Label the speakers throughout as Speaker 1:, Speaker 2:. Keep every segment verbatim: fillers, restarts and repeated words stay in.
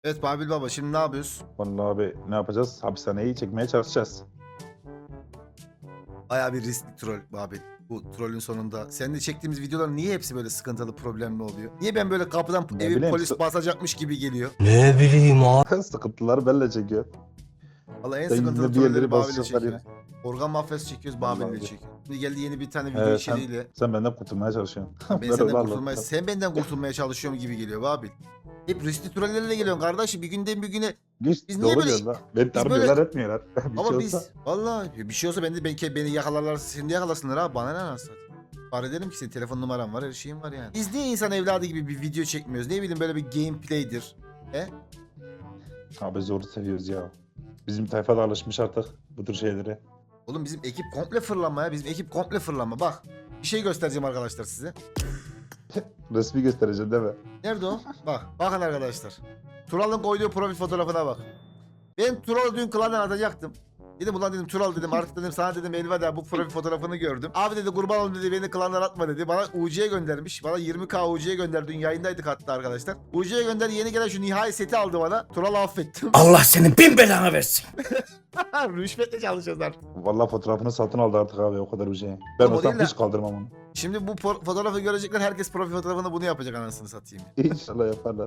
Speaker 1: Evet Babil Baba, şimdi ne yapıyoruz?
Speaker 2: Vallahi abi ne yapacağız? Hapishaneyi çekmeye çalışacağız.
Speaker 1: Bayağı bir riskli troll Babil. Bu trollün sonunda. Seninle çektiğimiz videolar niye hepsi böyle sıkıntılı, problemli oluyor? Niye ben böyle kapıdan
Speaker 2: Ne
Speaker 1: evi
Speaker 2: bileyim,
Speaker 1: polis
Speaker 2: sı-
Speaker 1: basacakmış gibi geliyor?
Speaker 3: Ne bileyim abi.
Speaker 2: Sıkıntıları benimle çekiyor.
Speaker 1: Valla en
Speaker 2: Sen
Speaker 1: sıkıntılı
Speaker 2: yine bir yerleri
Speaker 1: trolleri Babil'le
Speaker 2: basacak
Speaker 1: çekiyoruz.
Speaker 2: arıyorsun.
Speaker 1: Organ mafyası çekiyoruz,
Speaker 2: Vallahi
Speaker 1: Babil'le
Speaker 2: abi.
Speaker 1: çekiyoruz. Şimdi geldi yeni bir tane video
Speaker 2: Ee, sen,
Speaker 1: içeriğiyle.
Speaker 2: sen benden kurtulmaya çalışıyorsun.
Speaker 1: Ben
Speaker 2: Ben
Speaker 1: senden
Speaker 2: öyle
Speaker 1: kurtulmaya,
Speaker 2: anladım.
Speaker 1: sen benden kurtulmaya çalışıyorum gibi geliyor Babil. Hep riskli trollerle geliyorsun kardeşim, bir günden bir güne.
Speaker 2: Güç
Speaker 1: Biz niye
Speaker 2: doğru
Speaker 1: böyle-
Speaker 2: diyorsun lan. Beni
Speaker 1: biz
Speaker 2: tarmıyorlar
Speaker 1: böyle-
Speaker 2: etmiyorlar. bir
Speaker 1: Ama
Speaker 2: şey
Speaker 1: biz
Speaker 2: olsa.
Speaker 1: vallahi bir şey olsa beni, beni, beni yakalarlar, seni de yakalasınlar abi, bana ne anasını. Var ederim ki senin telefon numaran var, her şeyin var yani. Biz niye insan evladı gibi bir video çekmiyoruz? Ne bileyim, böyle bir gameplay'dir. He?
Speaker 2: Abi zoru seviyoruz ya. Bizim tayfa da alışmış artık bu tür şeylere.
Speaker 1: Oğlum bizim ekip komple fırlanma ya. Bizim ekip komple fırlanma. Bak, bir şey göstereceğim arkadaşlar size.
Speaker 2: Resmi göstereceğim değil mi?
Speaker 1: Nerede o? Bak. Bakın arkadaşlar. Tural'ın koyduğu profil fotoğrafına bak. Ben Tural'ı dün klandan atacaktım. Dedim ulan dedim Tural dedim, artık dedim sana dedim elveda, bu profil fotoğrafını gördüm. Abi dedi kurban olayım dedi, beni klandan atma dedi. Bana U C'ye göndermiş. Bana yirmi K U C'ye gönderdi. Dün yayındaydık hatta arkadaşlar. U C'ye gönder, yeni gelen şu nihai seti aldı bana. Tural'ı affettim.
Speaker 3: Allah senin bin belanı versin.
Speaker 1: Rüşvetle çalışacağız artık.
Speaker 2: Vallahi fotoğrafını satın aldı artık abi, o kadar bir şey. Ben
Speaker 1: Oğlum o
Speaker 2: olsam
Speaker 1: değil de-
Speaker 2: hiç kaldırmam onu.
Speaker 1: Şimdi bu por- fotoğrafı görecekler, herkes profil fotoğrafını bunu yapacak, anasını satayım.
Speaker 2: İnşallah yaparlar.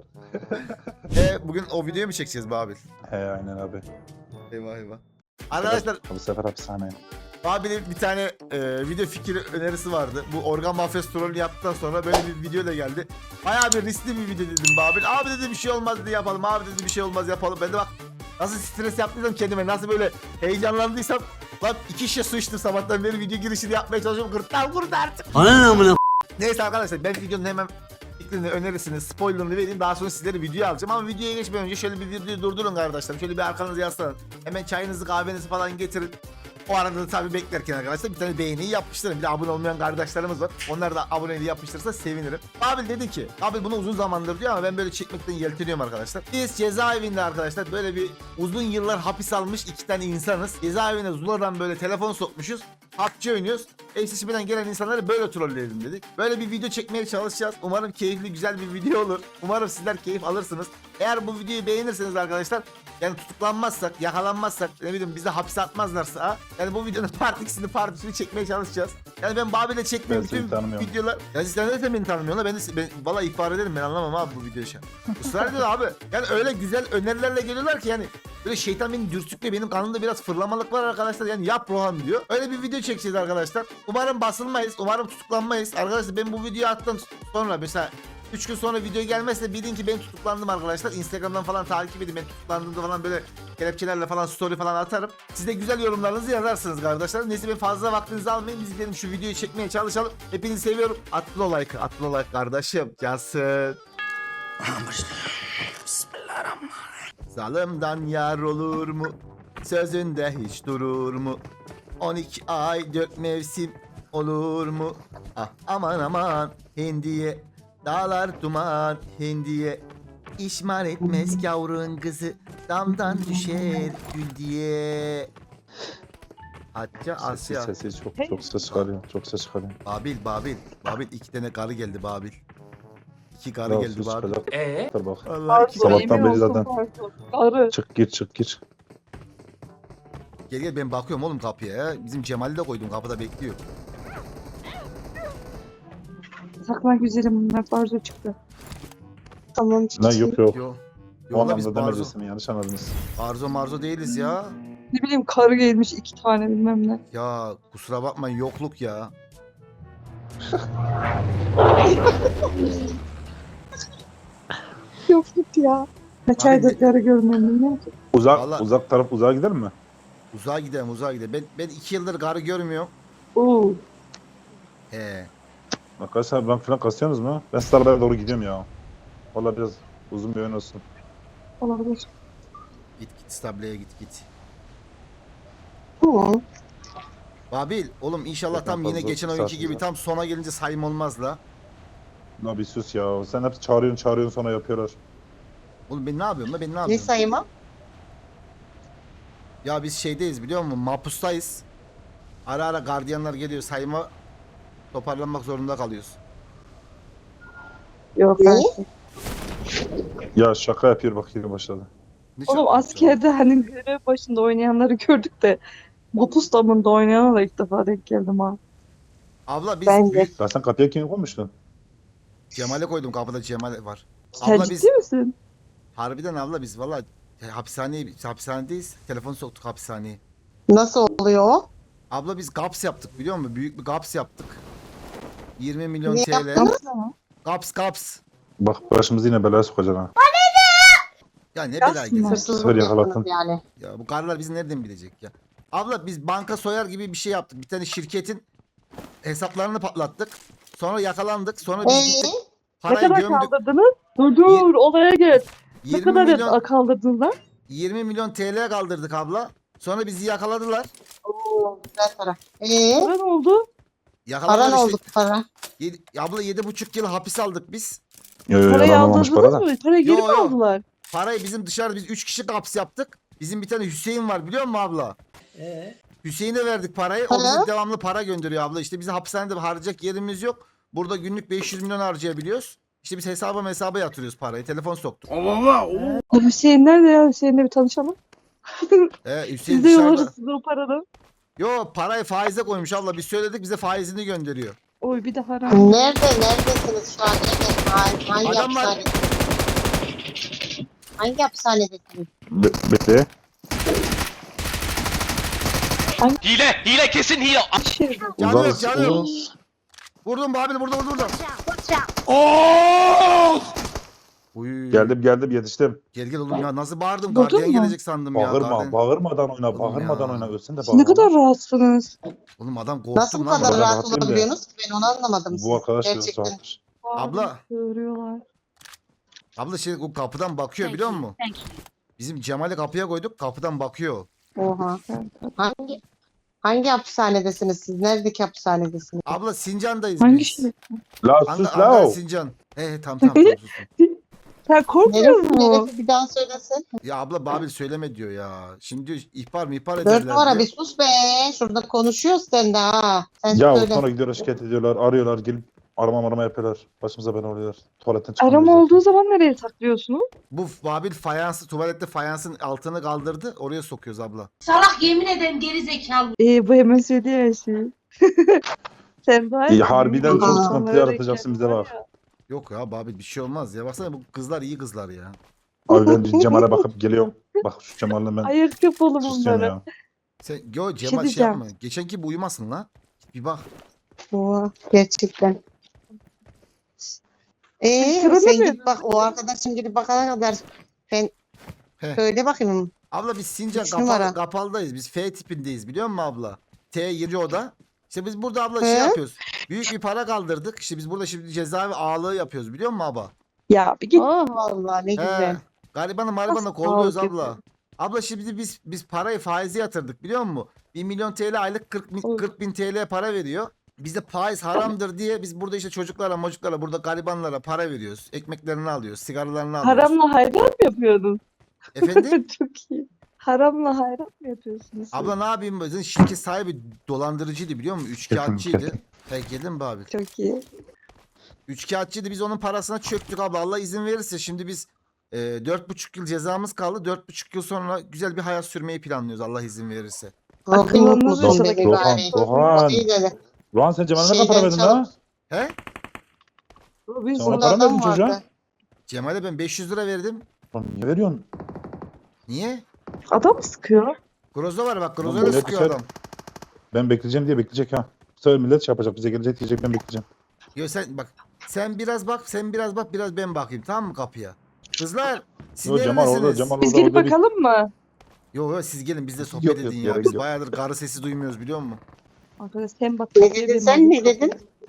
Speaker 1: E bugün o videoyu mu çekeceğiz be abi?
Speaker 2: He aynen abi.
Speaker 1: Eyvah eyvah. Arkadaşlar
Speaker 2: Bu sefer hapishane.
Speaker 1: Babil'in bir tane e, video fikri önerisi vardı. Bu organ mafyası trollü yaptıktan sonra böyle bir video da geldi. Bayağı bir riskli bir video dedim Babil. Abi dedi bir şey olmaz dedi, yapalım. Abi dedi bir şey olmaz, yapalım. Ben de bak nasıl stres yaptıysam kendime, nasıl böyle heyecanlandıysam, lan iki şişe su içtim sabahtan beri, video girişini yapmaya çalışıyorum. Gırtlağım kurudu artık.
Speaker 3: Ana amına.
Speaker 1: Neyse arkadaşlar, ben videonun hemen fikrini, önerisini, spoilerını vereyim. Daha sonra sizlere video alacağım. Ama videoya geçmeden önce şöyle bir videoyu durdurun kardeşlerim. Şöyle bir arkanızı yaslanın. Hemen çayınızı, kahvenizi falan getirin. O arada da tabii beklerken arkadaşlar bir tane beğeniyi yapıştırın. Bir de abone olmayan kardeşlerimiz var. Onlar da aboneliği yapıştırırsa sevinirim. Babil dedi ki, abi bunu uzun zamandır diyor ama ben böyle çekmekten yelteniyorum arkadaşlar. Biz cezaevinde arkadaşlar böyle bir uzun yıllar hapis almış iki tane insanız. Cezaevine Zula'dan böyle telefon sokmuşuz. P U B G oynuyoruz. Eşleşmeden gelen insanları böyle trolleyelim dedik. Böyle bir video çekmeye çalışacağız. Umarım keyifli, güzel bir video olur. Umarım sizler keyif alırsınız. Eğer bu videoyu beğenirseniz arkadaşlar, yani tutuklanmazsak, yakalanmazsak, ne bileyim bizi hapse atmazlarsa, yani bu videonun part ikisini, part üçünü çekmeye çalışacağız. Yani ben Babil'le çektiğim
Speaker 2: Ben seni
Speaker 1: bütün
Speaker 2: tanımıyorum.
Speaker 1: videolar... Ya sen de beni tanımıyorsun, ben de ben, valla ihbar ederim, ben anlamam abi bu videoyu şu an. Israr ediyor abi. Yani öyle güzel önerilerle geliyorlar ki, yani böyle şeytan beni dürtükle, benim kanımda biraz fırlamalık var arkadaşlar, yani yap Rohan diyor. Öyle bir video çekeceğiz arkadaşlar. Umarım basılmayız, umarım tutuklanmayız. Arkadaşlar ben bu videoyu attım sonra, mesela üç gün sonra video gelmezse bilin ki ben tutuklandım arkadaşlar. Instagram'dan falan takip edin, ben tutuklandığımda falan böyle kelepçelerle falan story falan atarım. Siz de güzel yorumlarınızı yazarsınız kardeşler. Neyse ben fazla vaktinizi almayın, biz gidelim şu videoyu çekmeye çalışalım. Hepinizi seviyorum. Atlı o like, atlı o like kardeşim. Cansın.
Speaker 3: Bismillahirrahmanirrahim.
Speaker 1: Zalımdan yar olur mu? Sözünde hiç durur mu? on iki ay dört mevsim olur mu? Ah aman aman hindiye, dağlar duman hindiye. İşmar etmez yavrun kızı, damdan düşer gül diye. Hatta
Speaker 2: Sesi,
Speaker 1: Asya.
Speaker 2: sesi çok çok ses çıkarıyor. Çok ses çıkarıyor.
Speaker 1: Babil, Babil. Babil iki tane karı geldi Babil. İki karı
Speaker 2: Daha
Speaker 1: geldi
Speaker 2: sus
Speaker 1: Babil.
Speaker 2: çıkacak.
Speaker 3: Ee?
Speaker 2: Dur bak.
Speaker 1: Allah iki
Speaker 2: Sabahtan
Speaker 1: karı.
Speaker 2: beri zaten.
Speaker 4: Arı.
Speaker 2: Çık gir çık gir.
Speaker 1: Gel gel, ben bakıyorum oğlum kapıya ya. Bizim Cemal'i de koydum, kapıda bekliyor.
Speaker 4: Saklan güzelim, bunlar barzo çıktı.
Speaker 5: Tamam.
Speaker 2: Lan yok yok.
Speaker 1: Yo.
Speaker 2: O
Speaker 1: Yolla biz
Speaker 2: anlamda
Speaker 1: barzo,
Speaker 2: demeyeceksin, yanlış anladınız.
Speaker 1: barzo marzo değiliz ya.
Speaker 4: Ne bileyim, karı gelmiş iki tane bilmem ne.
Speaker 1: Ya kusura bakmayın, yokluk ya.
Speaker 4: Yok git ya. Kaç
Speaker 1: Abi
Speaker 4: aydır
Speaker 1: ne-
Speaker 4: karı görmem bilmem ki.
Speaker 2: Uzak
Speaker 1: Vallahi-
Speaker 2: uzak taraf uzağa gider mi?
Speaker 1: Uzağa gidelim, uzağa gidelim. Ben, ben iki yıldır karı görmüyorum.
Speaker 4: Oo.
Speaker 1: He.
Speaker 2: Arkadaşlar ben falan kasıyorsunuz mu? Ben Starbucks'a doğru gidiyorum ya. Valla biraz uzun bir oyun olsun.
Speaker 4: Olabilir.
Speaker 1: Git git stableye git git.
Speaker 5: Tamam.
Speaker 1: Babil oğlum inşallah
Speaker 2: Zaten
Speaker 1: tam yine
Speaker 2: fazla
Speaker 1: geçen oyunki
Speaker 2: saatimiz
Speaker 1: gibi
Speaker 2: var.
Speaker 1: tam sona gelince sayım olmaz la.
Speaker 2: La bir sus ya. Sen hep çağırıyorsun çağırıyorsun sonra yapıyorlar.
Speaker 1: Oğlum ben ne yapıyorum la, ben ne
Speaker 5: Ne
Speaker 1: yapıyorum?
Speaker 5: sayma?
Speaker 1: Ya biz şeydeyiz biliyor musun? Mapustayız. Ara ara gardiyanlar geliyor, sayıma toparlanmak zorunda kalıyoruz.
Speaker 4: Yok
Speaker 5: Ne?
Speaker 4: ben.
Speaker 2: Ya şaka yapıyor bak yine başladı.
Speaker 1: Ne
Speaker 4: Oğlum
Speaker 1: şaka
Speaker 4: askerde hani görev başında oynayanları gördük de Mapus damında oynayana da ilk defa denk geldim ha.
Speaker 1: Abla biz
Speaker 5: Ben de.
Speaker 1: büyük
Speaker 2: Ya sen kapıya kim koymuştun?
Speaker 1: Cemal'e koydum, kapıda Cemal var.
Speaker 4: Sen
Speaker 1: Abla
Speaker 4: ciddi
Speaker 1: biz
Speaker 4: misin?
Speaker 1: harbiden abla biz valla hapishaneye hapishanedeyiz. Telefon soktuk hapishaneye.
Speaker 5: Nasıl oluyor o?
Speaker 1: Abla biz gaps yaptık biliyor musun? Büyük bir gaps yaptık. yirmi milyon
Speaker 5: Ne
Speaker 1: T L.
Speaker 5: yaptınız?
Speaker 1: Gaps gaps.
Speaker 2: Bak başımızı yine belaya sokacaksın ha.
Speaker 1: Ya ne
Speaker 4: Gaps
Speaker 1: bela
Speaker 4: mı?
Speaker 1: gezer.
Speaker 5: Hırsızlık
Speaker 2: Sefer
Speaker 5: yaptınız
Speaker 2: yakaladın.
Speaker 5: yani.
Speaker 1: Ya bu karılar bizi nereden bilecek ya? Abla biz banka soyar gibi bir şey yaptık. Bir tane şirketin hesaplarını patlattık. Sonra yakalandık. Sonra biz
Speaker 5: Ee?
Speaker 1: gittik.
Speaker 4: Ne
Speaker 1: Parayı
Speaker 4: kadar
Speaker 1: gömdük.
Speaker 4: kaldırdınız? Dur dur olaya gel. Ne
Speaker 1: yirmi
Speaker 4: kadar
Speaker 1: milyon
Speaker 4: kaldırdınız lan?
Speaker 1: yirmi milyon T L kaldırdık abla. Sonra bizi yakaladılar.
Speaker 5: Oo, güzel para. Ee?
Speaker 4: Para ne oldu?
Speaker 1: Yakaladılar
Speaker 5: Para ne
Speaker 1: işte.
Speaker 5: oldu para?
Speaker 1: Yedi, abla yedi buçuk yıl hapis aldık biz.
Speaker 2: Yo yo
Speaker 4: Parayı
Speaker 2: yalanmamış
Speaker 4: aldırdınız
Speaker 2: para da.
Speaker 4: mı? Parayı geri
Speaker 1: Yo,
Speaker 4: mi
Speaker 1: yo.
Speaker 4: aldılar?
Speaker 1: Parayı bizim dışarıda biz üç kişi hapis yaptık. Bizim bir tane Hüseyin var biliyor musun abla?
Speaker 3: Ee?
Speaker 1: Hüseyin'e verdik parayı. O
Speaker 5: Para?
Speaker 1: bize devamlı para gönderiyor abla. İşte bize hapishanede harcayacak yerimiz yok. Burada günlük beş yüz milyon harcayabiliyoruz. İşte biz hesaba hesaba yatırıyoruz parayı. Telefon soktuk.
Speaker 4: O Hüseyin nerede ya? Hüseyin'le bir tanışalım.
Speaker 1: Ee, Hüseyin
Speaker 4: Biz de
Speaker 1: dışarıda.
Speaker 4: alırız size o paradan.
Speaker 1: Yo parayı faize koymuş abla. Biz söyledik bize faizini gönderiyor.
Speaker 4: Oy bir de haram.
Speaker 5: Nerede? Neredesiniz şu an? Evet. Hangi, hangi
Speaker 1: Adamlar-
Speaker 5: hapishane? Hangi hapishanedesiniz?
Speaker 2: Be bekle.
Speaker 6: Hile, hile kesin hile.
Speaker 4: Şey,
Speaker 1: Canı yok
Speaker 2: Uzarız.
Speaker 1: canı yok.
Speaker 2: uzarız.
Speaker 1: Vurdum Babil vurdum vurdum vurdum. Uy.
Speaker 2: Geldim geldim yetiştim.
Speaker 1: Gel gel oğlum ya nasıl bağırdım?
Speaker 4: Vurdun
Speaker 1: Gardiyan
Speaker 4: mu?
Speaker 1: gelecek sandım ya.
Speaker 2: Bağırma
Speaker 1: Gardiyan-
Speaker 2: bağırmadan oyna
Speaker 1: Oğlum
Speaker 2: bağırmadan
Speaker 1: ya.
Speaker 2: oyna ölsün de
Speaker 4: siz ne
Speaker 2: bağırma.
Speaker 4: kadar rahatsınız.
Speaker 1: Oğlum adam korktum
Speaker 5: Nasıl bu
Speaker 1: lan.
Speaker 5: kadar
Speaker 2: ben
Speaker 5: rahat
Speaker 2: rahatlayayım da.
Speaker 5: olabiliyorsunuz ki? Ben onu anlamadım.
Speaker 2: Bu arkadaş biraz
Speaker 5: Gerçekten.
Speaker 2: rahattır.
Speaker 1: Abla.
Speaker 4: Sığırıyorlar.
Speaker 1: Abla şey o kapıdan bakıyor biliyor musun? Bizim Cemal'i kapıya koyduk kapıdan bakıyor.
Speaker 5: Oha.
Speaker 4: Evet, evet.
Speaker 5: Hangi hangi hapishanedesiniz siz? Neredeki hapishanedesiniz?
Speaker 1: Abla Sincan'dayız
Speaker 4: Hangi
Speaker 1: biz.
Speaker 4: şey?
Speaker 2: La
Speaker 1: Anga-
Speaker 2: sus
Speaker 1: Ankara
Speaker 2: la.
Speaker 1: Sincan. He he tamam tamam tamam susun.
Speaker 4: Sen korkmuyor
Speaker 5: Neresi?
Speaker 4: musun?
Speaker 5: Neresi? Bir daha söylesin.
Speaker 1: Ya abla Babil söyleme diyor ya. Şimdi diyor ihbar mı ihbar
Speaker 5: Dört
Speaker 1: ederler
Speaker 5: numara
Speaker 1: diyor.
Speaker 5: bir sus be. Şurada konuşuyoruz sen de ha. Sen
Speaker 2: Ya
Speaker 5: söyle.
Speaker 2: sonra gidiyorlar şikayet ediyorlar arıyorlar gelip arama arama yapıyorlar. Başımıza bela oluyorlar. Tuvaletten çıkamıyoruz
Speaker 4: Arama
Speaker 2: zaten.
Speaker 4: olduğu zaman nereye saklıyorsunuz?
Speaker 1: Bu Babil fayansı tuvalette fayansın altını kaldırdı. Oraya sokuyoruz abla.
Speaker 7: Salak yemin ederim geri zekalı.
Speaker 4: Ee, bu hemen söylüyor her şeyi. Sen daha
Speaker 2: İyi, harbiden
Speaker 5: çok
Speaker 4: Onlara
Speaker 2: sıkıntı
Speaker 4: denk
Speaker 2: yaratacaksın bize
Speaker 4: geldim
Speaker 2: bak.
Speaker 4: var ya.
Speaker 1: Yok ya Babil bir şey olmaz ya. Baksana bu kızlar iyi kızlar ya.
Speaker 2: Abi ben Cemal'e bakıp geliyorum. Bak şu Cemal'le ben
Speaker 4: Ayırt yap oğlum
Speaker 2: susuyorum
Speaker 4: onları.
Speaker 2: ya.
Speaker 1: Sen yo Cemal şey,
Speaker 4: diyeceğim.
Speaker 1: yapma. Geçen gibi uyumasın la. Git bir bak.
Speaker 5: Oha, gerçekten. Eee
Speaker 4: Sıra
Speaker 5: sen
Speaker 4: değil mi?
Speaker 5: git bak o arkadaşın gidip bakana kadar ben
Speaker 1: He.
Speaker 5: söyle bakayım.
Speaker 1: Abla biz Sincan
Speaker 5: Üç
Speaker 1: kapalı,
Speaker 5: numara.
Speaker 1: kapaldayız. Biz F tipindeyiz biliyor musun abla? T yedi oda. İşte biz burada abla
Speaker 5: He?
Speaker 1: şey yapıyoruz. Büyük bir para kaldırdık. İşte biz burada şimdi cezaevi ağalığı yapıyoruz biliyor musun abla?
Speaker 4: Ya bir git.
Speaker 5: Oh vallahi ne
Speaker 1: He.
Speaker 5: güzel.
Speaker 1: Garibanı maribanı
Speaker 4: Nasıl
Speaker 1: kolluyoruz
Speaker 4: ağalık
Speaker 1: abla.
Speaker 4: yapıyor?
Speaker 1: Abla şimdi biz biz parayı faize yatırdık biliyor musun? bir milyon T L aylık kırk bin,
Speaker 4: Oy.
Speaker 1: kırk bin T L para veriyor. Bize faiz haramdır diye biz burada işte çocuklara mocuklara burada garibanlara para veriyoruz. Ekmeklerini alıyoruz, sigaralarını alıyoruz.
Speaker 4: Haramla hayran mı yapıyordun?
Speaker 1: Efendim?
Speaker 4: Çok iyi. Haramla hayran mı yapıyorsunuz? siz?
Speaker 1: Abla ne yapayım? Bizim şirket sahibi dolandırıcıydı biliyor musun? Üçkağıtçıydı.
Speaker 2: Kesin,
Speaker 1: He geldin mi abi?
Speaker 4: Çok iyi.
Speaker 1: Üçkağıtçıydı. Biz onun parasına çöktük abla. Allah izin verirse şimdi biz e, dört buçuk yıl cezamız kaldı. Dört buçuk yıl sonra güzel bir hayat sürmeyi planlıyoruz Allah izin verirse.
Speaker 5: Robin
Speaker 4: Akıllanmaz
Speaker 5: Hood musun
Speaker 4: yaşadık.
Speaker 5: be
Speaker 2: Rohan,
Speaker 5: bari?
Speaker 2: Rohan.
Speaker 5: O değil de.
Speaker 2: Ulan sen Cemal'e ne kadar
Speaker 5: Şeyden
Speaker 2: para verdin
Speaker 5: çalıp-
Speaker 2: ha?
Speaker 1: He?
Speaker 4: Robinson
Speaker 2: Sonra
Speaker 5: Burada
Speaker 2: para mı
Speaker 5: adam
Speaker 2: verdin çocuğa?
Speaker 5: vardı.
Speaker 1: Cemal'e ben beş yüz lira verdim.
Speaker 2: Lan niye veriyorsun?
Speaker 1: Niye?
Speaker 4: adam mı sıkıyor?
Speaker 1: Grozo var bak.
Speaker 2: Oğlum
Speaker 1: Grozo'yla
Speaker 2: böyle
Speaker 1: sıkıyor
Speaker 2: güzel.
Speaker 1: adam.
Speaker 2: Ben bekleyeceğim diye bekleyecek ha. Bu sefer millet şey yapacak bize gelecek diyecek ben bekleyeceğim.
Speaker 1: Yo sen bak. Sen biraz bak. Sen biraz bak. Biraz ben bakayım. Tamam mı kapıya? Kızlar. Siz
Speaker 2: Yo Cemal orada
Speaker 1: neredesiniz?
Speaker 2: Cemal
Speaker 4: Biz
Speaker 2: orada
Speaker 4: gelip
Speaker 2: orada bir...
Speaker 4: bakalım mı?
Speaker 1: Yo yo siz gelin biz de sohbet
Speaker 2: Yok, yok,
Speaker 1: edin ya.
Speaker 2: gerek
Speaker 1: Biz
Speaker 2: yok.
Speaker 1: bayağıdır karı sesi duymuyoruz biliyor musun?
Speaker 4: Arkadaş sen bak.
Speaker 5: Ne dedin sen, ne dedin?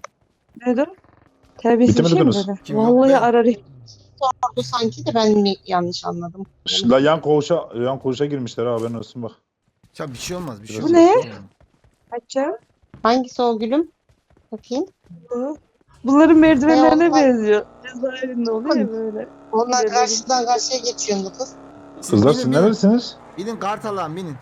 Speaker 4: Ne dedin? Terbiyesiz bir şey mi
Speaker 2: Bitemediniz.
Speaker 4: dedi?
Speaker 1: Kim yok?
Speaker 4: Vallahi
Speaker 1: Ben.
Speaker 4: ararım.
Speaker 5: Bu sanki de ben mi yanlış anladım?
Speaker 2: Şş, La yan koğuşa, yan koğuşa girmişler ha haberin olsun bak.
Speaker 1: Ya bir şey olmaz. Bir şey
Speaker 2: Bu
Speaker 1: olmaz.
Speaker 4: ne?
Speaker 1: Bir şey olmaz.
Speaker 4: Açacağım.
Speaker 5: Hangisi o gülüm? Bakayım.
Speaker 4: Bunların merdivenlerine
Speaker 5: Ne oldu?
Speaker 4: benziyor. Cezaevinde oluyor ya böyle.
Speaker 5: Onlar
Speaker 4: Bilemedim.
Speaker 5: karşıdan karşıya geçiyordu kız.
Speaker 1: Siz
Speaker 2: Kızlar
Speaker 1: binin,
Speaker 2: siz
Speaker 1: binin.
Speaker 2: neredesiniz?
Speaker 1: Binin Kartal'an binin.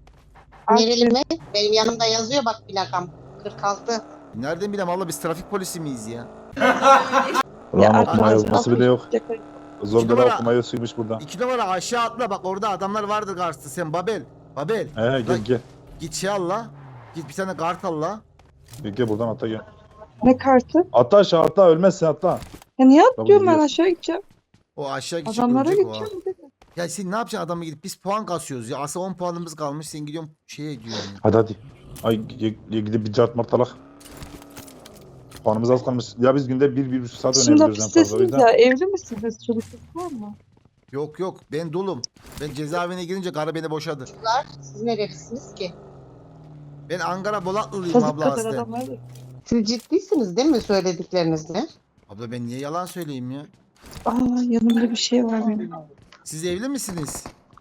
Speaker 5: Nereli mi? Benim yanımda yazıyor bak plakam. kırk altı.
Speaker 1: Nereden bileyim abla biz trafik polisi miyiz ya?
Speaker 2: Ulan
Speaker 4: arkadaş,
Speaker 2: okuma yazması bile yok.
Speaker 4: Şaka-
Speaker 2: Zombiler
Speaker 1: numara-
Speaker 2: okumayı suymuş burada.
Speaker 1: İki numara aşağı atla bak orada adamlar vardır karşısında. Sen Babel. Babel.
Speaker 2: He gel
Speaker 1: Lan-
Speaker 2: gel.
Speaker 1: Git şey al la. Git bir tane kart al la.
Speaker 2: Gel, gel buradan atla gel.
Speaker 4: Ne kartı?
Speaker 2: Atla aşağı atla ölmezsin atla.
Speaker 4: Ya niye
Speaker 2: Tamam,
Speaker 4: atlıyorum ben
Speaker 2: gidiyoruz.
Speaker 4: aşağı gideceğim.
Speaker 1: O aşağı gidecek
Speaker 4: Adamlara
Speaker 1: ölecek o ha.
Speaker 4: gideceğim. dedi.
Speaker 1: Ya sen ne yapacaksın adamı gidip biz puan kasıyoruz ya. Aslında on puanımız kalmış sen gidiyorsun şeye gidiyorsun. ya.
Speaker 2: Hadi hadi. Ay gel, gel gidip bir cart martalak. Puanımız az kalmış. Ya biz günde bir, bir buçuk saat
Speaker 4: Şimdi
Speaker 2: oynayabiliriz en fazla. O
Speaker 4: hapistesiniz
Speaker 2: yüzden.
Speaker 4: ya. Evli misiniz? Çocukluk var mı?
Speaker 1: Yok yok ben dolum. Ben cezaevine girince karı beni boşadı.
Speaker 5: Çocuklar siz nerelisiniz ki?
Speaker 1: Ben Ankara Bolatlılıyım
Speaker 4: Kazık
Speaker 1: abla
Speaker 4: kadar
Speaker 1: aslen.
Speaker 4: adamlar.
Speaker 5: Siz ciddisiniz değil mi söylediklerinizde?
Speaker 1: Abla ben niye yalan söyleyeyim ya?
Speaker 4: Aa yanımda bir şey var benim.
Speaker 1: Siz evli misiniz?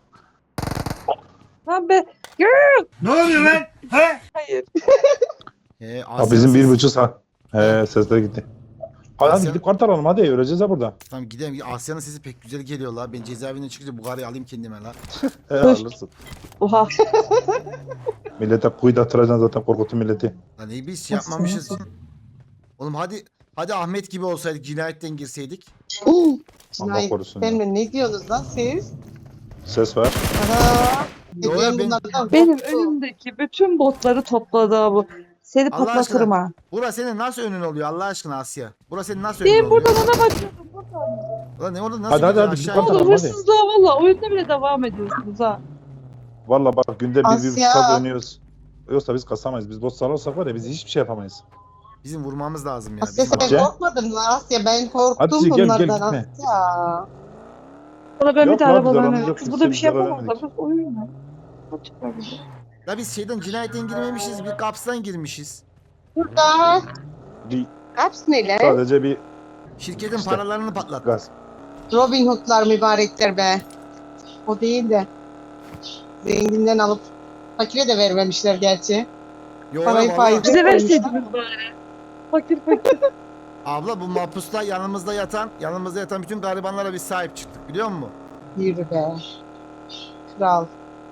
Speaker 4: Ha be.
Speaker 3: Ne oluyor lan? He?
Speaker 4: Hayır.
Speaker 1: He,
Speaker 2: Ha,
Speaker 1: Asya
Speaker 2: bizim bir
Speaker 1: siz-
Speaker 2: buçuk saat. He sesler gitti. Hadi, hadi
Speaker 1: Asya-
Speaker 2: gidip kart alalım hadi öleceğiz ha burada.
Speaker 1: Tamam gidelim. Asya'nın sesi pek güzel geliyor la. Ben cezaevinden çıkınca bu karıyı alayım kendime la.
Speaker 2: He alırsın.
Speaker 4: Oha.
Speaker 2: Millete kuyu da attıracaksın zaten korkutun milleti.
Speaker 1: Lan iyi biz şey yapmamışız. Oğlum hadi hadi Ahmet gibi olsaydık cinayetten girseydik.
Speaker 5: Uuu.
Speaker 2: Allah korusun ya.
Speaker 5: Cinayet mi? Ne diyorsunuz lan siz?
Speaker 2: Ses var.
Speaker 5: Ana.
Speaker 1: Yo,
Speaker 5: Dediğim
Speaker 1: ben-
Speaker 5: bunlardan
Speaker 4: Benim
Speaker 5: korktu.
Speaker 4: önümdeki bütün botları topladı ha bu. Seni
Speaker 1: Allah
Speaker 4: patlatırım ha.
Speaker 1: Bura senin nasıl önün oluyor Allah aşkına Asya? Bura senin nasıl önün
Speaker 4: Ben
Speaker 1: oluyor?
Speaker 4: buradan ona bakıyordum. Buradan.
Speaker 1: Ulan ne orada nasıl
Speaker 2: Hadi, hadi,
Speaker 1: gidiyor
Speaker 2: hadi,
Speaker 1: aşağı?
Speaker 2: bir
Speaker 4: Oğlum
Speaker 2: Tamam, hadi.
Speaker 4: hırsızlığa valla oyunda bile devam ediyorsunuz ha.
Speaker 2: Valla bak günde bir, bir buçuk
Speaker 5: Asya.
Speaker 2: saat oynuyoruz. Yoksa biz kasamayız. Biz bot sararsak var ya biz hiçbir şey yapamayız.
Speaker 1: Bizim vurmamız lazım ya.
Speaker 5: Asya
Speaker 1: Bizim-
Speaker 5: sen
Speaker 2: Asya.
Speaker 5: korkmadın mı Asya? Ben korktum
Speaker 2: Hadi gel, gel,
Speaker 5: bunlardan
Speaker 2: gitme.
Speaker 5: Asya.
Speaker 4: Sonra ben
Speaker 2: Yok
Speaker 4: bir de
Speaker 2: lan, biz
Speaker 4: arabalarına
Speaker 2: aramızda
Speaker 4: Kız burada bir şey
Speaker 2: kimseyi
Speaker 4: yapamazlar.
Speaker 2: göremedik.
Speaker 4: Burası oyun mu? Açıklar bize.
Speaker 1: Ya biz şeyden cinayetten girmemişiz. Bir kapsdan girmişiz.
Speaker 5: Burada
Speaker 2: Bir,
Speaker 5: kaps neler?
Speaker 2: sadece bir
Speaker 1: Şirketin
Speaker 2: İşte.
Speaker 1: paralarını patlattık.
Speaker 2: gaz.
Speaker 5: Robin Hood'lar mübarekler be. O değil de. Zenginden alıp fakire de vermemişler gerçi.
Speaker 1: Yo,
Speaker 5: Parayı
Speaker 1: vallahi-
Speaker 5: faize-
Speaker 4: Bize
Speaker 5: koymuşlar.
Speaker 4: verseydiniz bari. Fakir fakir.
Speaker 1: Abla bu mahpusla yanımızda yatan, yanımızda yatan bütün garibanlara biz sahip çıktık biliyor musun?
Speaker 5: Yürü be. Kral.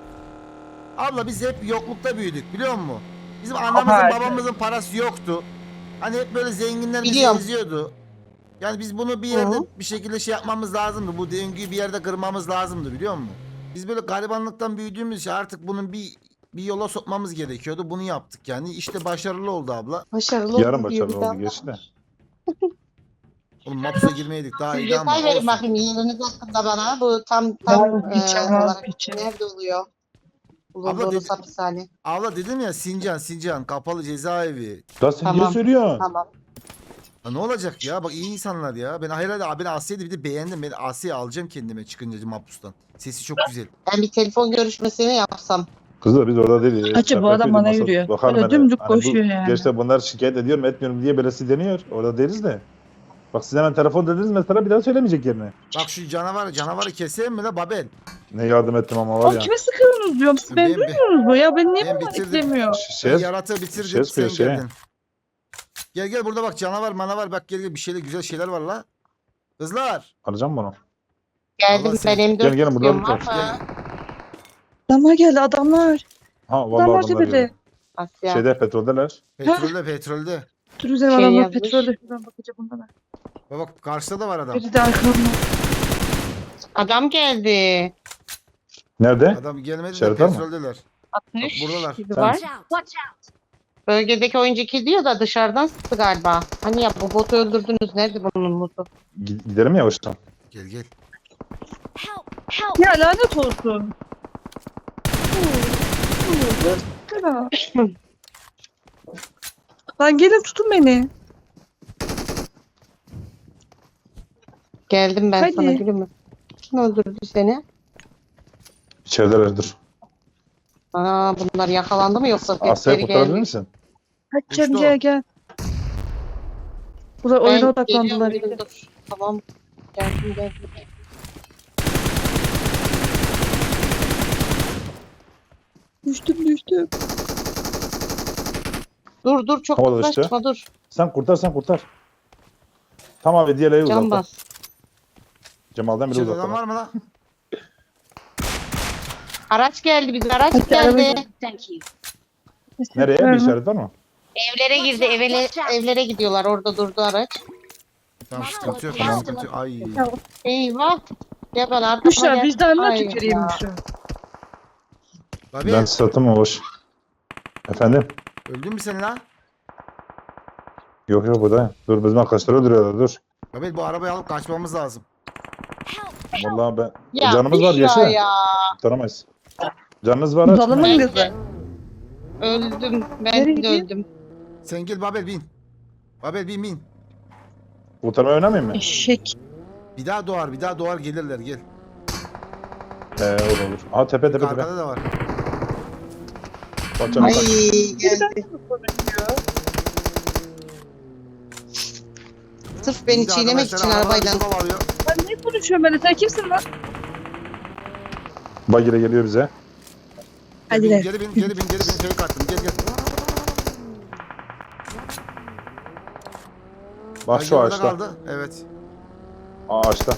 Speaker 1: Abla biz hep yoklukta büyüdük biliyor musun? Bizim anamızın
Speaker 4: Ama-
Speaker 1: babamızın parası yoktu. Hani hep böyle zenginler bizi
Speaker 5: Biliyorum.
Speaker 1: eziyordu. Yani biz bunu bir yerde
Speaker 5: Hı.
Speaker 1: bir şekilde şey yapmamız lazımdı. Bu döngüyü bir yerde kırmamız lazımdı biliyor musun? Biz böyle garibanlıktan büyüdüğümüz için artık bunun bir bir yola sokmamız gerekiyordu. Bunu yaptık yani. İşte başarılı oldu abla.
Speaker 5: Başarılı
Speaker 2: Yarın
Speaker 5: oldu diyor
Speaker 2: başarılı
Speaker 5: bir
Speaker 2: oldu
Speaker 5: daha.
Speaker 2: geçti de.
Speaker 1: Oğlum mahpusa girmeydik daha
Speaker 5: Siz
Speaker 1: iyi ama
Speaker 5: detay verin
Speaker 1: olsun.
Speaker 5: bakayım yeriniz hakkında bana. Bu tam tam
Speaker 4: Ya,
Speaker 5: e,
Speaker 4: geçen az
Speaker 5: olarak
Speaker 4: geçen.
Speaker 5: nerede oluyor?
Speaker 1: Abla
Speaker 5: Bulunduğunuz
Speaker 1: dedi-
Speaker 5: hapishane.
Speaker 1: Abla dedim ya Sincan Sincan kapalı cezaevi.
Speaker 2: Daha sen
Speaker 5: Tamam.
Speaker 2: niye söylüyorsun?
Speaker 5: Tamam.
Speaker 1: Ha, ne olacak ya? Bak iyi insanlar ya. Ben herhalde abi Asya'yı bir de beğendim. Ben Asya'yı alacağım kendime çıkınca mahpustan. Sesi çok güzel.
Speaker 5: Ben bir telefon görüşmesini yapsam.
Speaker 2: Kızlar biz orada değiliz.
Speaker 4: Acı, bu
Speaker 2: Şaka
Speaker 4: adam
Speaker 2: yapıyordum,
Speaker 4: bana
Speaker 2: masa-
Speaker 4: yürüyor.
Speaker 2: Bakar
Speaker 4: Böyle
Speaker 2: bana.
Speaker 4: dümdük
Speaker 2: Hani bu-
Speaker 4: koşuyor yani.
Speaker 2: Gerçi bunlar şikayet ediyorum etmiyorum diye belası deniyor. Orada değiliz de. Bak siz hemen telefon dediniz mesela bir daha söylemeyecek yerine.
Speaker 1: Bak şu canavar canavarı keseyim mi la Babel?
Speaker 2: Ne yardım ettim ama var
Speaker 4: Oğlum
Speaker 2: ya.
Speaker 4: kime sıkıyorsunuz diyorum. Siz
Speaker 1: Ben-
Speaker 4: beni duymuyorsunuz mu? Ya ben niye
Speaker 1: Ben
Speaker 4: bana
Speaker 1: bitirdim.
Speaker 4: eklemiyor?
Speaker 1: Ben
Speaker 2: Şey,
Speaker 1: yaratığı bitirdim
Speaker 2: şey
Speaker 1: sen
Speaker 2: sıkıyor, şey.
Speaker 1: geldin. Gel gel burada bak canavar manavar bak gel gel bir şeyler güzel şeyler var la. Kızlar.
Speaker 2: alacağım bunu.
Speaker 5: Geldim
Speaker 1: Allah seni-
Speaker 5: ben M dört
Speaker 2: Gel, gelin, burada
Speaker 5: istiyorum
Speaker 2: bir
Speaker 5: ama.
Speaker 4: Adamlar geldi adamlar.
Speaker 2: Ha vallahi
Speaker 4: Adamlar
Speaker 2: adamlar
Speaker 4: tepede.
Speaker 2: diyor.
Speaker 5: Asya.
Speaker 2: Şeyde petroldeler.
Speaker 1: Petrolde petrolde.
Speaker 4: Dur üzerine
Speaker 5: Şey
Speaker 4: adamlar
Speaker 5: yazmış.
Speaker 4: petrolde. Şuradan bakacağım bunlara.
Speaker 1: Bak bak karşıda da var adam.
Speaker 4: Biri de arkamda.
Speaker 5: Adam geldi.
Speaker 2: Nerede?
Speaker 1: Adam gelmedi de
Speaker 2: İşaret var mı?
Speaker 1: petroldeler. Bak
Speaker 5: altmış
Speaker 1: buradalar.
Speaker 5: gibi
Speaker 2: Sen-
Speaker 5: var.
Speaker 7: Watch out. Watch out.
Speaker 5: Bölgedeki oyuncu iki diyor da dışarıdan sıktı galiba. Hani ya bu botu öldürdünüz. Nerede bunun botu?
Speaker 2: Gi- Gidelim yavaştan.
Speaker 1: Gel gel.
Speaker 7: Help. Help.
Speaker 4: Ya lanet olsun. Lan gelin tutun beni.
Speaker 5: Geldim ben
Speaker 4: Hadi.
Speaker 5: sana gülüm mü? Kim öldürdü seni?
Speaker 2: İçeridelerdir.
Speaker 5: Aa bunlar yakalandı mı yoksa
Speaker 2: Asya'yı
Speaker 5: tepkileri
Speaker 2: kurtarabilir
Speaker 5: gelmiş?
Speaker 2: misin?
Speaker 4: Kaçacağım
Speaker 1: Uçtu.
Speaker 4: gel gel. Burada oyuna
Speaker 5: Ben
Speaker 4: odaklandılar.
Speaker 5: geliyorum, dur. Tamam. Geldim geldim.
Speaker 4: Düştüm düştüm.
Speaker 5: Dur dur çok
Speaker 2: Havada işte.
Speaker 5: yaklaşma dur.
Speaker 2: Sen kurtar sen kurtar. Tamam abi diğerleri
Speaker 5: Can
Speaker 2: uzakta.
Speaker 5: bas.
Speaker 2: Cemal'den biri
Speaker 1: İçeride adam
Speaker 2: uzakta.
Speaker 1: var mı la?
Speaker 5: Araç geldi bize araç
Speaker 4: Hadi,
Speaker 5: geldi.
Speaker 4: araba-
Speaker 7: Thank you.
Speaker 2: Nereye? Bir işaret var mı?
Speaker 5: Evlere girdi evlere, evlere gidiyorlar orada durdu araç.
Speaker 1: Tamam
Speaker 7: Marked a
Speaker 1: sıkıntı yok.
Speaker 7: location.
Speaker 1: Sıkıntı yok. Ay.
Speaker 5: Eyvah. Ya ben arkama
Speaker 4: Büşra
Speaker 5: gel-
Speaker 4: vicdanına
Speaker 5: Hayır
Speaker 4: tüküreyim
Speaker 5: ya.
Speaker 4: Büşra.
Speaker 1: Babi
Speaker 2: Ben satım mı boş? Efendim?
Speaker 1: öldün mü sen la?
Speaker 2: Yok yok buradayım. Dur bizim arkadaşlar öldürüyorlar dur.
Speaker 1: Babi bu arabayı alıp kaçmamız lazım.
Speaker 7: Help.
Speaker 2: Vallahi ben...
Speaker 5: Ya
Speaker 2: Canımız var
Speaker 5: Büşra
Speaker 2: yaşa.
Speaker 5: ya.
Speaker 2: Kurtaramayız. Canınız var aç.
Speaker 4: Zalımın
Speaker 5: Ben
Speaker 4: kızı.
Speaker 5: de öldüm.
Speaker 4: Nereye
Speaker 5: Ben de
Speaker 4: gidiyor?
Speaker 5: öldüm.
Speaker 1: Sen gel Babel bin. Babel bin bin.
Speaker 2: Kurtarmayı oynamayayım mı?
Speaker 4: Eşek.
Speaker 1: Bir daha doğar bir daha doğar gelirler gel.
Speaker 2: He olur olur. Aa tepe tepe tepe.
Speaker 1: Arkada da var.
Speaker 2: Bak canım
Speaker 5: Ay
Speaker 2: bak.
Speaker 5: geldi. Sırf beni
Speaker 1: Bir de
Speaker 5: çiğnemek
Speaker 1: arkadaşlar
Speaker 5: için
Speaker 1: arabadan
Speaker 5: arabayla.
Speaker 1: bir kovalıyor.
Speaker 4: Ben ne konuşuyorum böyle? Sen kimsin lan?
Speaker 2: Bagire geliyor bize.
Speaker 4: Hadi
Speaker 1: Gel
Speaker 4: de.
Speaker 1: bin, geri bin geri bin geri bin. Fake attım gel gel.
Speaker 2: Bak
Speaker 1: Ay,
Speaker 2: şu
Speaker 1: orada
Speaker 2: ağaçta.
Speaker 1: kaldı. Evet.
Speaker 2: Ağaçta.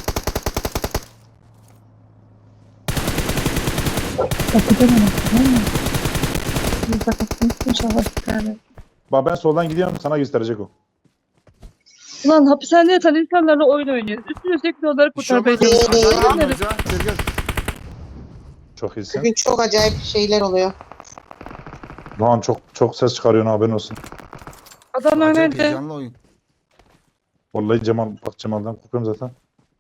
Speaker 4: Kapıdan ama. Tamam mı? Bir bakın. İnşallah bir tane.
Speaker 2: Bak ben soldan gidiyorum sana gösterecek o.
Speaker 4: Ulan hapishanede yatan insanlarla oyun oynuyoruz. Üstüne sürekli onları
Speaker 1: Bir şey
Speaker 4: kurtarmaya
Speaker 1: olmaz.
Speaker 4: çalışıyoruz.
Speaker 1: Aşağıya
Speaker 4: Onları-
Speaker 1: gidiyoruz ya. Gel gel.
Speaker 2: Çok iyisin.
Speaker 5: Bugün çok acayip şeyler oluyor.
Speaker 2: Lan çok çok ses çıkarıyorsun haberin olsun.
Speaker 4: Adamlar
Speaker 1: Acayip
Speaker 4: nerede?
Speaker 1: heyecanlı oyun.
Speaker 2: Vallahi Cemal bak Cemal'den korkuyorum zaten.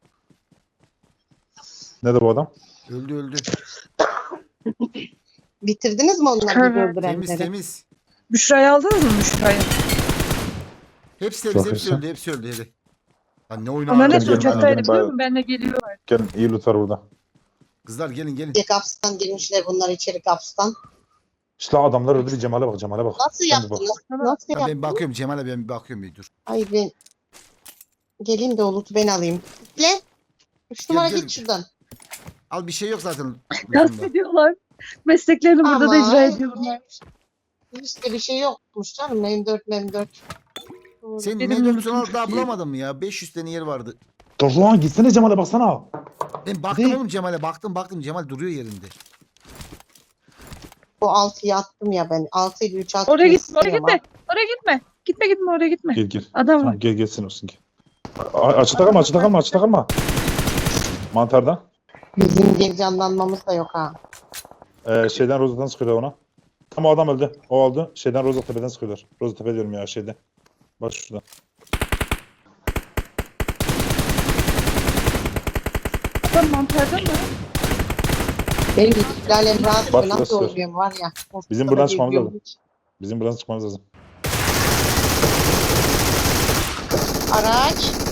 Speaker 2: Nerede bu adam?
Speaker 1: Öldü öldü.
Speaker 5: Bitirdiniz mi onları
Speaker 4: Evet.
Speaker 5: bir öldürenleri?
Speaker 1: Temiz temiz.
Speaker 4: Büşra'yı aldınız mı Büşra'yı?
Speaker 1: Hepsi temiz
Speaker 2: Çok
Speaker 1: hepsi
Speaker 2: iyisin.
Speaker 1: öldü hepsi öldü hadi. Lan ne oyunu
Speaker 4: Onlar
Speaker 1: ağır
Speaker 4: hepsi
Speaker 2: gelin,
Speaker 1: oynuyor lan.
Speaker 4: uçaktaydı
Speaker 2: gelin,
Speaker 4: biliyor
Speaker 2: bayağı-
Speaker 4: musun? Benle geliyorlar.
Speaker 2: Gelin iyi loot var burada.
Speaker 1: Kızlar gelin gelin.
Speaker 5: Bir kapstan girmişler bunlar içeri kapstan.
Speaker 2: İşte adamlar öldü bir Cemal'e bak Cemal'e bak.
Speaker 5: Nasıl
Speaker 2: Sen bir bak.
Speaker 5: yaptınız?
Speaker 4: Tamam.
Speaker 5: Nasıl
Speaker 1: Ya
Speaker 5: yaptınız?
Speaker 1: ben bakıyorum Cemal'e ben bir bakıyorum bir dur.
Speaker 5: Ay ben geleyim de Olut'u ben alayım. Gel. Üç numara
Speaker 1: gel.
Speaker 5: git şuradan.
Speaker 1: Al bir şey yok zaten.
Speaker 4: Gasp
Speaker 1: lütfunda.
Speaker 4: ediyorlar. Mesleklerini burada da
Speaker 5: Ama
Speaker 4: icra ediyorlar.
Speaker 5: işte bir şey yokmuş canım. M dört M dört.
Speaker 1: Sen
Speaker 4: Benim
Speaker 1: ne
Speaker 4: lütfum
Speaker 1: al
Speaker 4: çok
Speaker 1: daha
Speaker 4: iyi.
Speaker 1: bulamadın mı ya? beş yüz tane yer vardı.
Speaker 2: Dur lan gitsene Cemal'e baksana.
Speaker 1: Ben baktım
Speaker 2: Değil.
Speaker 1: oğlum Cemal'e baktım baktım Cemal duruyor yerinde.
Speaker 5: Bu altıyı attım ya ben. altı ile üç attım.
Speaker 4: Oraya gitme, oraya
Speaker 5: istiyorum
Speaker 4: gitme. Oraya gitme. Gitme gitme oraya gitme.
Speaker 2: Gel gel.
Speaker 4: Adam var.
Speaker 2: Tamam gel gelsin olsun gel. A- Açıkta kalma açıkta kalma açıkta kalma. Mantarda.
Speaker 5: ha. Bizim geri canlanmamız da yok ha.
Speaker 2: Ee, şeyden Rozat'tan sıkıyorlar ona. Ama o adam öldü. O oldu. Şeyden Rozattepe'den sıkıyorlar. Rozattepe diyorum ya şeyde. Bak şurada.
Speaker 4: Adam mantarda mı?
Speaker 5: Benim İstiklal Emrah
Speaker 2: Bak,
Speaker 5: nasıl
Speaker 2: göster.
Speaker 5: oluyorum var ya.
Speaker 2: Bizim buradan çıkmamız lazım. Bizim buradan çıkmamız lazım.
Speaker 5: Araç.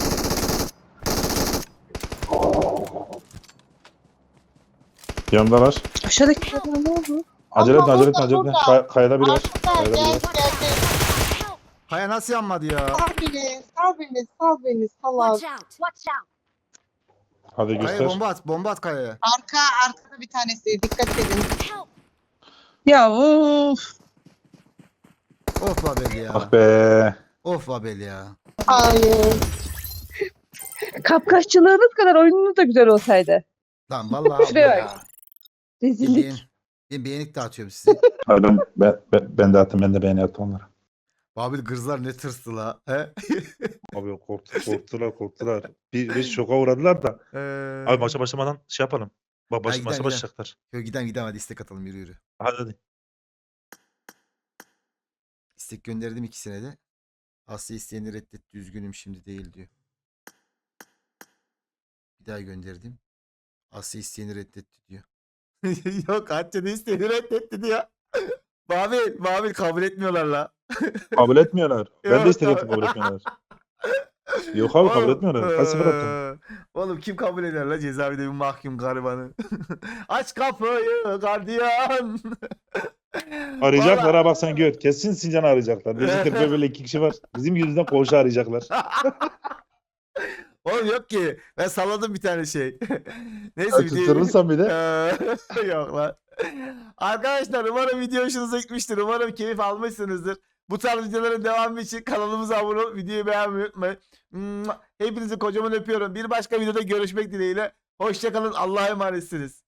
Speaker 2: Yanındalar.
Speaker 4: Aşağıdaki adam ne oldu?
Speaker 2: Acele etme
Speaker 5: Allah,
Speaker 2: acele etme
Speaker 5: burada,
Speaker 2: acele etme.
Speaker 5: burada.
Speaker 2: Kay- kayada biri var.
Speaker 5: Arkada
Speaker 2: Kayada biri
Speaker 5: gel
Speaker 2: var.
Speaker 5: gel gel.
Speaker 1: Kaya nasıl yanmadı ya?
Speaker 5: Sal beni, sal beni, sal beni, sal
Speaker 7: Watch
Speaker 5: abi.
Speaker 7: out. Watch out.
Speaker 2: Hadi
Speaker 1: Kaya
Speaker 2: göster.
Speaker 1: bomba at bomba at Kaya'ya.
Speaker 5: Arka, arkada bir tanesi. Dikkat edin.
Speaker 7: Help.
Speaker 4: Ya of.
Speaker 1: Of Babel ya.
Speaker 2: Ah be.
Speaker 1: Of Babel ya.
Speaker 5: Hayır.
Speaker 4: Kapkaççılığınız kadar oyununuz da güzel olsaydı.
Speaker 1: Lan vallahi
Speaker 4: Şuraya
Speaker 1: abla ya.
Speaker 4: bak.
Speaker 1: Ben, beğen,
Speaker 4: Rezillik.
Speaker 1: ben beğenik dağıtıyorum size.
Speaker 2: Hadi ben, ben, ben, ben de attım ben de beğeni attım onlara.
Speaker 1: Babil gırzlar ne tırstı la. He?
Speaker 8: Abi korktu, korktular korktular. Bir, bir şoka uğradılar da.
Speaker 1: Ee,
Speaker 8: Abi maça başlamadan şey yapalım. Bak baş,
Speaker 1: Hadi
Speaker 8: maça
Speaker 1: gidelim,
Speaker 8: başlayacaklar.
Speaker 1: Yo, giden giden hadi istek atalım yürü yürü.
Speaker 8: Hadi hadi.
Speaker 1: İstek gönderdim ikisine de. Asya isteyeni reddetti üzgünüm şimdi değil diyor. Bir daha gönderdim. Asya isteyeni reddetti diyor. Yok Asya da isteyeni reddetti diyor. Babil, Babil kabul etmiyorlar la.
Speaker 2: Kabul etmiyorlar. Ben
Speaker 1: Yok,
Speaker 2: de istedim
Speaker 1: kabul-
Speaker 2: kabul etmiyorlar. Yok abi kabul
Speaker 1: Oğlum,
Speaker 2: etmiyorlar. Kaç sefer attım.
Speaker 1: eee, Oğlum kim kabul eder la cezaevinde bir mahkum garibanı. Aç kapıyı gardiyan.
Speaker 2: Arayacaklar
Speaker 1: Vallahi-
Speaker 2: ha bak sen gör. Kesin Sincan'ı arayacaklar. Bizim Kırkaya böyle iki kişi var. Bizim yüzünden koğuşu arayacaklar.
Speaker 1: Oğlum yok ki. Ben salladım bir tane şey. Neyse videoyu...
Speaker 2: Tutturursan bir de.
Speaker 1: Eee, yok lan. Arkadaşlar umarım video hoşunuza gitmiştir. Umarım keyif almışsınızdır. Bu tarz videoların devamı için kanalımıza abone olup videoyu beğenmeyi unutmayın. Hepinizi kocaman öpüyorum. Bir başka videoda görüşmek dileğiyle. Hoşçakalın. Allah'a emanetsiniz.